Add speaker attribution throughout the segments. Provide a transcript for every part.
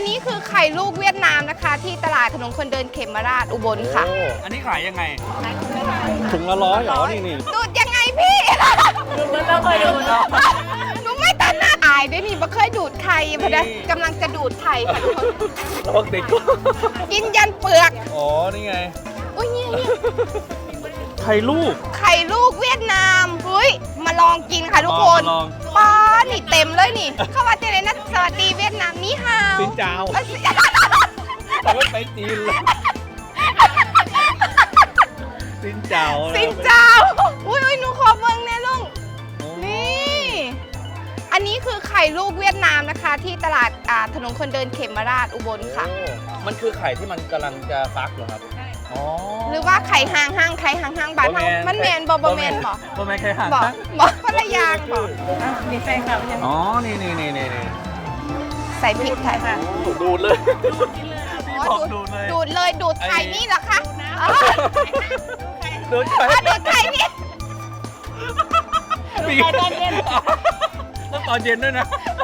Speaker 1: นี้คือไข่ลูกเวียดนามนะคะ ที่ตลาดถนนคนเดินเขมราชอุบลค่ะ
Speaker 2: อันนี้ขายยังไง
Speaker 3: ถุงละ100เหรอ นี่
Speaker 1: ดูดยังไงพี่
Speaker 4: มันเราเคยดูเนาะ
Speaker 1: หนูไม่ตันหน้าอายด้วยนี่บ่เคยดูดไข่พอดีกำลังจะดูดไข่ค่ะทุกคน
Speaker 3: ระวังติด
Speaker 1: กินยันเปลือก
Speaker 3: อ๋อ นี่ไง
Speaker 1: อุ้ยเนี่ย
Speaker 3: ไข่ลูก
Speaker 1: ไข่ลูกเวียดนามเฮ้ยมาลองกินค่ะทุกคน
Speaker 3: มาลอง
Speaker 1: ป้านี่เต็มเลยนี่ เข้ามาเจอเลยนะสวัสดีเวียดนามนี่ฮาว
Speaker 3: สินเจ้า
Speaker 1: เอ้ย
Speaker 3: แต่ไม่ไปจีนเลยสินเจ้า
Speaker 1: สินเจ้าอุ้ยหนูขอเบิ่งแน่ลุง นี่ อันนี้คือไข่ลูกเวียดนามนะคะ ที่ตลาดถนนคนเดินเขมราชอุบลค่ะ
Speaker 3: โอ้มันคือไข่ที่มันกำลังจะฟักเหรอครับ อ๋อ
Speaker 1: หรือว่าไข่ห่างไข่ห่างบานเฮามันแมนบ่แมนบ่
Speaker 3: บ่แมนไข่ห่าง
Speaker 1: บ่คนละอย่างบ่
Speaker 4: มีแฟนคลับยัง
Speaker 3: อ๋อ นี่
Speaker 1: ใส่พริกไทย
Speaker 3: ดูดเลย
Speaker 1: อ๋อ
Speaker 3: ดูดเลย
Speaker 1: ดูดเลยดูดไข่นี่เหรอคะอ๋อ
Speaker 3: ดูดไข่
Speaker 1: ดูดไข่นี่
Speaker 3: มีตอนเย็นต้องตอนเย็นด้วยนะ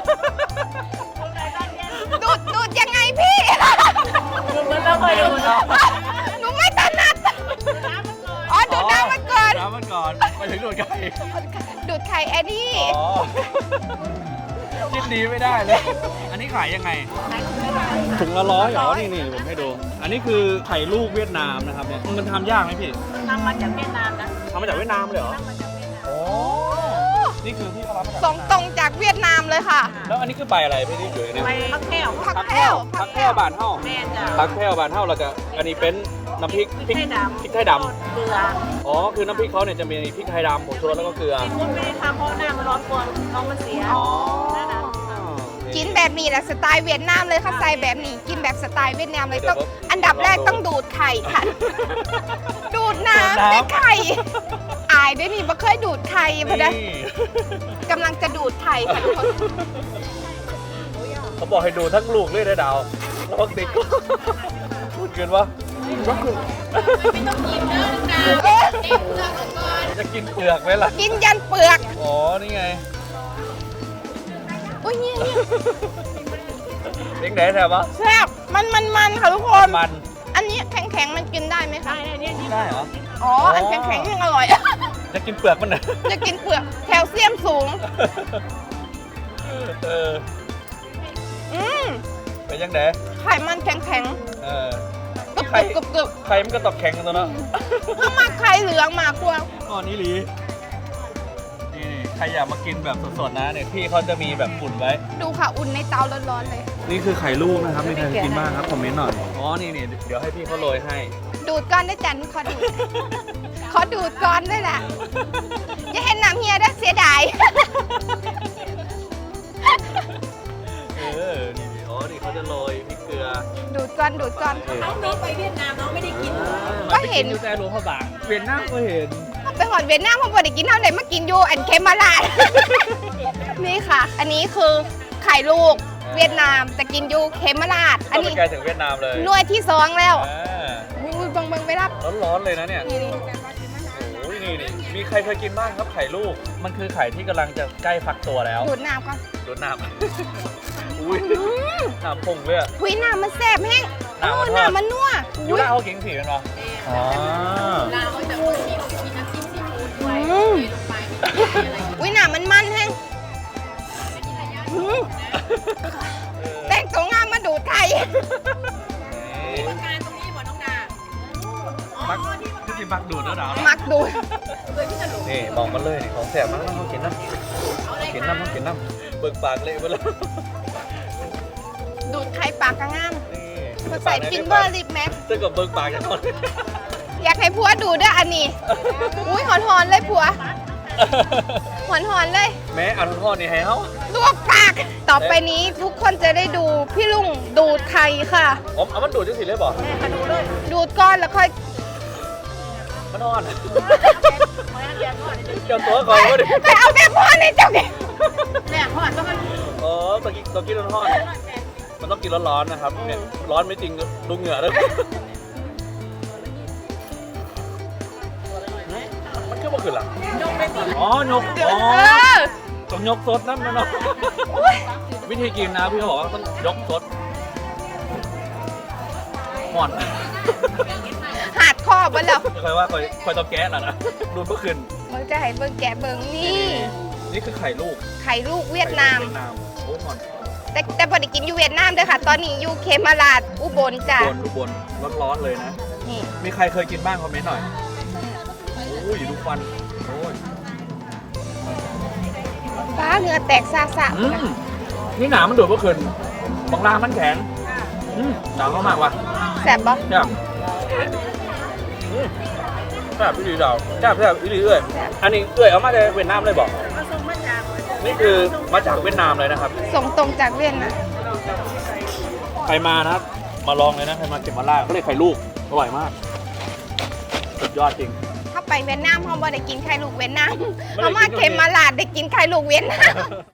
Speaker 1: ดูดยังไงพี่
Speaker 4: มันเราเคยดูเนาะ
Speaker 1: หนูไม่ถนัดอ๋อดูดน้ำมันก่อน
Speaker 3: น้ำมันก่อนไปถึงดูดไข่
Speaker 1: ดูดไข่แอดดี้
Speaker 3: อ๋อคิดดีไม่ได้เลย อันนี้ขายยังไง ถุงละ100เหรอ นี่ผมให้ดู อันนี้คือไข่ลูกเวียดนามนะครับเนี่ย มันทำยากไหมพี่
Speaker 4: ทำมาจากเวียดนามนะ
Speaker 3: ทำมาจากเวียดนามเลยเหรอ
Speaker 4: ทำมาจากเวียดนาม
Speaker 3: โอ้นี่คือที่เขารับมาจาก
Speaker 1: ส่งตรงจากเวียดนามเลยค่ะ
Speaker 3: แล้วอันนี้คือใบอะไรพี่ที่อยู่ในนี้
Speaker 4: ไปพักแก้ว
Speaker 1: ผักแพ้ว
Speaker 3: ผักแพร่วบานเท่า
Speaker 4: แม่จ้ะ
Speaker 3: ผักแพร่วบานเท่าแล้วก็อันนี้เป็นน้ำพริก
Speaker 4: พริกไทยดำ
Speaker 3: พริกไทยด
Speaker 4: เกลือ
Speaker 3: ำอ๋อ คือน้ำพริกเขาเนี่ยจะมีพริกไทยดำผงชูรสแล้วก็เกลือ
Speaker 4: คุณไม่ได้ทำเพราะหน้ามันร้อนกลัวน้องมันเสีย
Speaker 3: อ๋อ
Speaker 1: กินแบบนี้แหละสไตล์เวียดนามเลยค่ะใส่แบบนี้กินแบบสไตล์เวียดนามเลยต้องอันดับแรกต้องดูดไข่ค่ะ ดูดน้ำในไข่อายด้วยนี่บ่เคยดูดไข่พอดี
Speaker 3: นี่
Speaker 1: กำลังจะดูดไข่ค่ะทุกคน
Speaker 3: เขาบอกให้ดูทั้งลูกเลยนะดาวแล้วก็ติดพูดเกินวะ
Speaker 1: เอ๊ะ
Speaker 3: จะกินเปลือกไหมล่ะ
Speaker 1: กินยันเปลือก
Speaker 3: อ๋อ นี่ไง
Speaker 1: อุ้ยเนี่ย
Speaker 3: เด็กไหนแถววะ
Speaker 1: แซ่บมันค่ะทุกคน
Speaker 3: มัน
Speaker 1: อันนี้แข็งๆมันกินได้ไหมคะ
Speaker 3: ได้เหรอ
Speaker 1: อ๋ออันแข็งๆยังอร่อย
Speaker 3: จะกินเปลือกมันเหรอ
Speaker 1: จะกินเปลือกแคลเซียมสูง
Speaker 3: เออ
Speaker 1: อืม
Speaker 3: เป็นยังไง
Speaker 1: ไข่มันแข็ง
Speaker 3: เออ
Speaker 1: ๆกรึบ
Speaker 3: ไข่
Speaker 1: กรึบกรึบ
Speaker 3: ไข่มันก็ตอกแข็งกันตัวเนาะ
Speaker 1: ถ้ามาไข่เหลืองมากกว่า
Speaker 3: อ๋อนี่หลีนี่ใครอยากมากินแบบสดๆนะเนี่ยพี่เขาจะมีแบบฝุ่นไว้
Speaker 1: ดูค่ะอุ่นในเตาร้อนๆเลย
Speaker 3: นี่คือไข่ลูกนะครับมีใครกินบ้างครับคอมเมนต์หน่อย อ๋อ นี่เดี๋ยวให้พี่เขาโรยให้
Speaker 1: ดูดก้อนได้จันขอดูด ขอดูดก้อนด้วยแหละอย่าเห็นน้ำเฮียได้อเสียดาย
Speaker 3: เออ นี่อ๋อ นี่เขาจะโรยพริกเกลือ
Speaker 1: ดูดก้อนดูดก้อน
Speaker 4: น้องไปเวียดนามน้องไม่ได้กิน
Speaker 1: ก็เห็น
Speaker 3: อยู่แต่หลวงพระบางเวียนหน้าก็เห็น
Speaker 1: ไปหอดเวียดนามเพราะว่าได้กินเท่าไหร่มากินอยู่อันเคมาลาด นี่ค่ะ อันนี้คือไข่ลูกเวียดนามแต่กินอยู่เคมาลาดอัน
Speaker 3: ก็ไป
Speaker 1: นี้
Speaker 3: ไกลถึงเวียดนามเลย
Speaker 1: หน่วยที่สองแล้ว
Speaker 3: อ่า
Speaker 1: อุ้ยบังไปรับ
Speaker 3: ร้อนๆเลยนะเนี่ย
Speaker 1: นี่
Speaker 3: โอ้ยนี่มีใครเคยกินบ้างครับไข่ลูก มันคือไข่ที่กำลังจะใกล้ฟักตัวแล้ว
Speaker 1: ดูดน้ำก่อน
Speaker 3: รดน้ำ อุ้ยน้ำพุ่งเลยอะ
Speaker 1: หุยน้ำมันแซ่บแห้ง
Speaker 3: น้ำมันทอด
Speaker 1: น้ำมันนัว
Speaker 3: ยูราเขากินผีกันเหรออ๋อ
Speaker 1: อุ้ยน้ำมันมันแห้งอืมแต่งตัวงามมาดูดไข่
Speaker 4: การตรงนี้บ่น้องดา
Speaker 3: มักที่กินมักดูดแล้วดาว
Speaker 1: มักดูด
Speaker 3: นี่บอกมาเลยนี่ของแสบมากนะเขากินน้ำกินน้ำเขากินน้ำเบิกปากเละไปแล้ว
Speaker 1: ดูดไข่ปากกระงาม
Speaker 3: นี่
Speaker 1: มาใส่ฟินเบอร์ลิปแม็ก
Speaker 3: เจอกับเบิกปากกันก่อน
Speaker 1: อยากให้ผัวดูด้วยอันนี้ อุ้ยหอนๆเลยผัว หอนๆเลย
Speaker 3: แม้อันทอดนี่ให้เขา
Speaker 1: ลวกปาก ต่อไปนี้ทุกคนจะได้ดูพี่ลุงดูดไข่ค่ะ
Speaker 3: ผมเอามันดูดจังสิเลยบอก
Speaker 1: ดูดก้อนแล้วค่อย
Speaker 3: มันทอดเจ้าตัวก่อนก็ดิ
Speaker 1: ไปเอาแบบพ่อในเจ้าเนี่ย
Speaker 4: เนี่ยเขาอาจจะมัน
Speaker 3: อ๋อตะกี้ทอดมันต้องกินร้อนๆนะครับเนี่ยร้อนไม่จริงดูเหงื่อเลยมันคือบ่ขึ้นหรออ๋อยกอ๋อ
Speaker 1: เออ
Speaker 3: ต้องยกซดนะมันเนาะวิธีกินนะพี่เขาบอกว่าต้องยกซดห่อน
Speaker 1: หาดคอบแล้ว
Speaker 3: เคยว่าคอยเตาแก๊สแล้วนะดูเมื่อคืน
Speaker 1: เบิ่งจะให้เบิ่งแกะเบิ่งนี่
Speaker 3: นี่คือไข่ลูก
Speaker 1: ไข่ลูกเวียดนาม
Speaker 3: เวียดนามโอ้ห่อน
Speaker 1: แต่พอได้กินอยู่เวียดนามเด้อค่ะ ตอนนี้อยู่เคมาลาดอุบลจ้ะ
Speaker 3: อุบลร้อนๆเลยนะ
Speaker 1: นี่
Speaker 3: มีใครเคยกินบ้างคอมเมนต์หน่อยโอ้ยดูควันโอ้ย
Speaker 1: ฟ้าเหงื่อแตกซาซา
Speaker 3: นี่หนามันดูดเมื่อคืนบางล่างมันแข็งหนาวมากว่ะ
Speaker 1: แซ่บบ่
Speaker 3: แซ่บแซ่บอีหลีดาวแซ่บอีหลีเอ้ยอันนี้เอ้ยเอามาจากเวียดนามเลยบอก
Speaker 4: มาส่งมาจาก
Speaker 3: นี่คือมาจากเวียดนามเลยนะครับ
Speaker 1: ส่งตรงจากเวียดนาม
Speaker 3: ใครมานะมาลองเลยนะใครมาเก็บมาล่าเขาเรียกไข่ลูกอร่อยมากสุดยอดจริง
Speaker 1: ถ้าไปเวียดนามเฮาบ่ได้กินไข่ลูกเวียดนาม
Speaker 3: ไม่ได้กิน
Speaker 1: เฮามาเคมาลาดได้กินไข่ลูกเวียดนาม